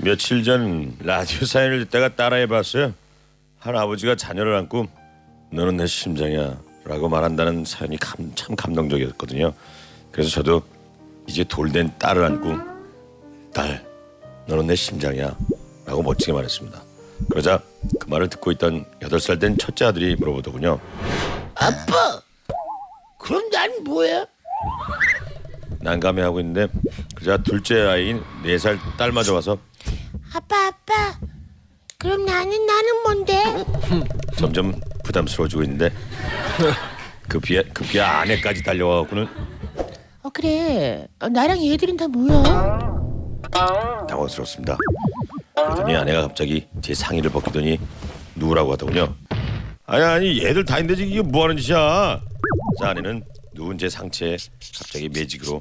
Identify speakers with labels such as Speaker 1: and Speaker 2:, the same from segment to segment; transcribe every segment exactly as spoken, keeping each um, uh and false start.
Speaker 1: 며칠 전 라디오 사연을 듣다가 따라해봤어요. 한 아버지가 자녀를 안고 너는 내 심장이야 라고 말한다는 사연이 감, 참 감동적이었거든요. 그래서 저도 이제 돌된 딸을 안고 딸 너는 내 심장이야 라고 멋지게 말했습니다. 그러자 그 말을 듣고 있던 여덟 살 된 첫째 아들이 물어보더군요.
Speaker 2: 아빠, 그럼 난 뭐야?
Speaker 1: 난감해하고 있는데 그러자 둘째 아이인 네 살 딸마저 와서
Speaker 2: 아빠, 아빠, 그럼 나는 나는 뭔데?
Speaker 1: 점점 부담스러워지고 있는데 급기야 급기야 아내까지 달려와갖고는
Speaker 2: 어 그래, 어, 나랑 얘들은 다 뭐야?
Speaker 1: 당황스럽습니다. 그러더니 아내가 갑자기 제 상의를 벗기더니 누우라고 하더군요. 아니 아니 얘들 다 있는데 이게 뭐하는 짓이야. 자 아내는 누운 제 상체에 갑자기 매직으로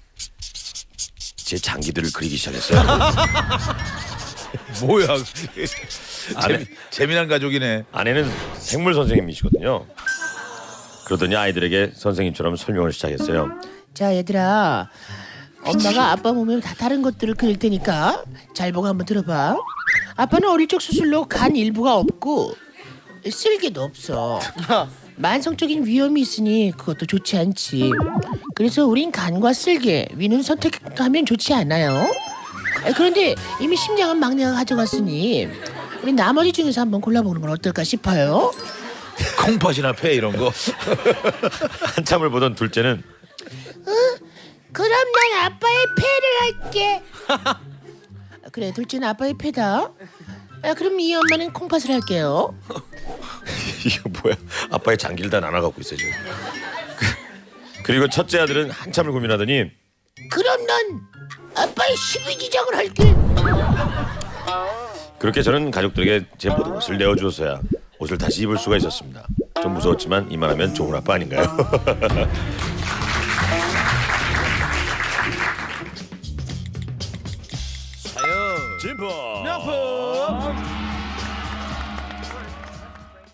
Speaker 1: 제 장기들을 그리기 시작했어요.
Speaker 3: 뭐야?
Speaker 1: 아내,
Speaker 3: 재미, 재미난 가족이네.
Speaker 1: 아내는 생물 선생님이시거든요. 그러더니 아이들에게 선생님처럼 설명을 시작했어요.
Speaker 2: 자 얘들아, 엄마가 아빠 몸에 다 다른 것들을 그릴 테니까 잘 보고 한번 들어봐. 아빠는 어릴 적 수술로 간 일부가 없고 쓸개도 없어. 만성적인 위험이 있으니 그것도 좋지 않지. 그래서 우린 간과 쓸개, 위는 선택하면 좋지 않아요. 그런데 이미 심장은 막내가 가져갔으니 우리 나머지 중에서 한번 골라보는 건 어떨까 싶어요.
Speaker 3: 콩팥이나 폐 이런 거.
Speaker 1: 한참을 보던 둘째는
Speaker 2: 그럼 난 아빠의 폐를 할게. 그래, 둘째는 아빠의 폐다. 아, 그럼 이 엄마는 콩팥을 할게요.
Speaker 1: 이거 뭐야? 아빠의 장기를 다 나눠갖고 있어 지금. 그리고 첫째 아들은 한참을 고민하더니
Speaker 2: 그럼 난 아빠의 십이지장을 할게.
Speaker 1: 그렇게 저는 가족들에게 제 모든 것을 내어주어서야 옷을 다시 입을 수가 있었습니다. 좀 무서웠지만 이만하면 좋은 아빠 아닌가요?
Speaker 3: 사연.
Speaker 1: 진포
Speaker 3: 명품.